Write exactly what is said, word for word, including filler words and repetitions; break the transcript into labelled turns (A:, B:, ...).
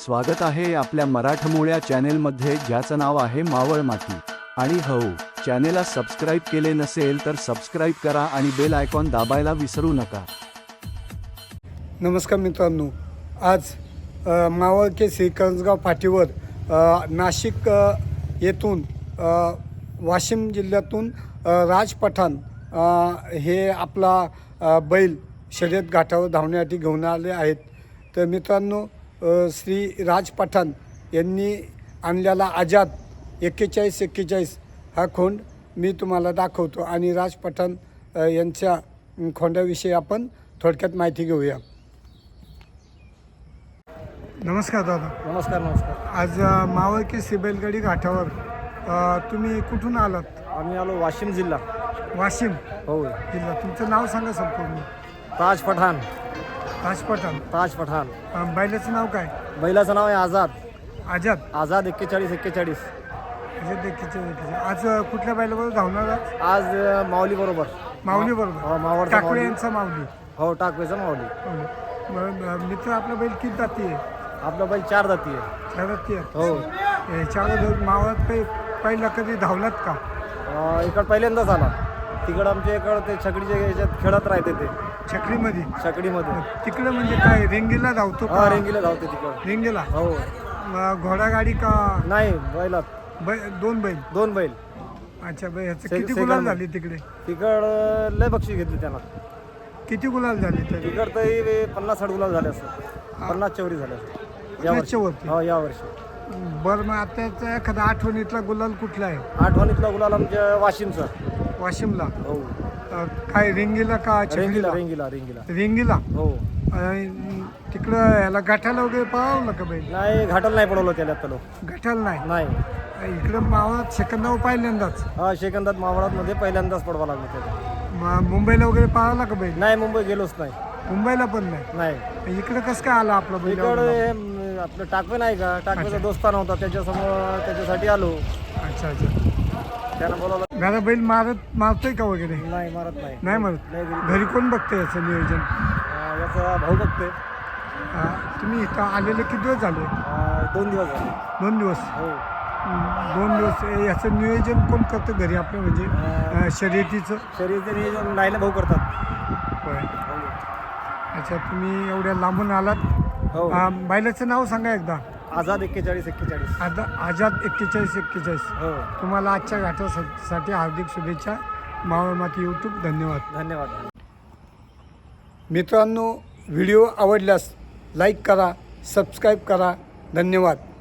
A: स्वागत आहे आपल्या मराठमोळ्या चॅनेलमध्ये, ज्याचं नाव आहे मावळ माती. आणि हो, चॅनेलला सबस्क्राईब केले नसेल तर सबस्क्राईब करा आणि बेल आयकॉन दाबायला विसरू नका.
B: नमस्कार मित्रांनो, आज अ, मावळ केसरी करंजगाव फाटीवर अ, नाशिक अ, येथून अ, वाशिम जिल्ह्यातून अ, राज पठाण अ, हे आपला अ, बैल शर्यत घाटावर धावण्यासाठी घेऊन आले आहेत. तर मित्रांनो, अ, श्री राज पठाण यांनी आणलेला आझाद एक्केचाळीस एक्केचाळीस हा खोंड मी तुम्हाला दाखवतो आणि राज पठाण अ, यांच्या खोंडाविषयी आपण थोडक्यात माहिती घेऊया. नमस्कार दादा.
C: नमस्कार नमस्कार.
B: आज अ, मावळ केसरी बैलगाडी घाटावर अ, तुम्ही कुठून आलात?
C: आम्ही आलो वाशिम जिल्हा.
B: वाशिम
C: हो.
B: जिल्हा. तुमचं नाव सांगा संपूर्ण.
C: ताज पठाण.
B: राज पठाण.
C: ताज पठाण.
B: अ, बैलाचं नाव काय?
C: बैलाचं नाव आहे आझाद.
B: आझाद.
C: आझाद एक्केचाळीस एक्केचाळीस.
B: आझाद एक्केचाळीस एक्केचाळीस. आज अ, कुठल्या बैलाबरोबर धावणार आहात?
C: आज अ, माऊली बरोबर.
B: माऊली
C: हो,
B: बरोबर.
C: मावळचा
B: टाकळे
C: माऊली.
B: यांचा माऊली.
C: हो, टाकवेचा माऊली.
B: माऊली. बरं, अ, मित्र आपला बैल किती जाती आहे?
C: आपला बैल चार जाती आहे.
B: चार जाती आहे.
C: हो.
B: याच्यावर मावळात काही पहिला कधी धावलात का?
C: अ, इकडं पहिल्यांदाच आला. तिकडं आमच्या इकडं ते छकडीच्या याच्यात खेळत राहते ते
B: छकडीमध्ये.
C: छकडीमध्ये.
B: तिकडे म्हणजे काय रेंगीला धावतो
C: हा,
B: का?
C: रेंगीला धावते तिकडं.
B: रेंगीला.
C: हो.
B: अ, घोडागाडी का?
C: नाही, बैलात
B: बै दोन बैल.
C: दोन बैल.
B: अच्छा, बै ह्याचं
C: से-
B: किती
C: सेकंड
B: गुलाल
C: बैल.
B: झाली तिकडे?
C: तिकडं लय बक्षीस घेतली त्यांना.
B: किती गुलाल झाले तरी?
C: तिकडं तरी पन्नास साठ गुलाब झाले असं. पन्नास चौरी झाले असं
B: पन्नासच्या वरती.
C: हो, या वर्षी.
B: बरं, मग आताचा एखादा आठवणीतला गुलाल कुठला आहे?
C: आठवणीतला गुलाल आमच्या वाशिमचा.
B: वाशिमला.
C: हो.
B: अ, काय रेंगीला का
C: रेंगीला
B: छकडीला?
C: रेंगीला रेंगीला.
B: रेंगीला.
C: हो.
B: आणि तिकडं याला गाठाला वगैरे पळावलं का बैल?
C: नाही, घाटाला नाही पडवलं त्याला तलो.
B: गाठाला नाही.
C: नाही.
B: इकडं मावळात सेकंदावर पहिल्यांदाच.
C: हा, शेकंदात मावळात मध्ये पहिल्यांदाच पडवा लागलं त्याला.
B: म- मुंबईला वगैरे पळावला का बैल?
C: नाही, मुंबई गेलोच नाही.
B: मुंबईला पण नाही.
C: नाही.
B: इकडं कसं काय आला आपला बैल?
C: इकडे म, आपलं टाकवे नाही का, टाकवेचा दोस्ताना होता, त्याच्यासमोर त्याच्यासाठी आलो.
B: अच्छा अच्छा.
C: त्यानं बोलावलं.
B: घरा बैल मारत मारतोय का वगैरे?
C: नाही, मारत नाही.
B: नाही मारत.
C: नाही घरी.
B: घरी कोण बघतंय याचं नियोजन?
C: अं, याचा भाऊ बघतोय.
B: हा, तुम्ही इथं आलेले किती दिवस झाले?
C: अं, दोन दिवस झाले.
B: दोन दिवस.
C: हो.
B: हम्म, दोन दिवस. ए, याचं नियोजन कोण करतं घरी आपलं, म्हणजे अं, शर्यतीचं?
C: शरीर नियोजन नाईला भाऊ करतात.
B: होय. अच्छा, तुम्ही एवढ्या लांबून आलात.
C: हो.
B: अं, बैलाचं नाव सांगा एकदा.
C: आझाद एक्केचाळीस एक्केचाळीस.
B: आता आझाद एक्केचाळीस एक्केचाळीस.
C: हो.
B: तुम्हाला आजच्या घाटासाठी हार्दिक शुभेच्छा. मावळ माती यूट्यूब. धन्यवाद.
C: धन्यवाद.
B: मित्रांनो, व्हिडिओ आवडल्यास लाईक करा, सबस्क्राईब करा. धन्यवाद.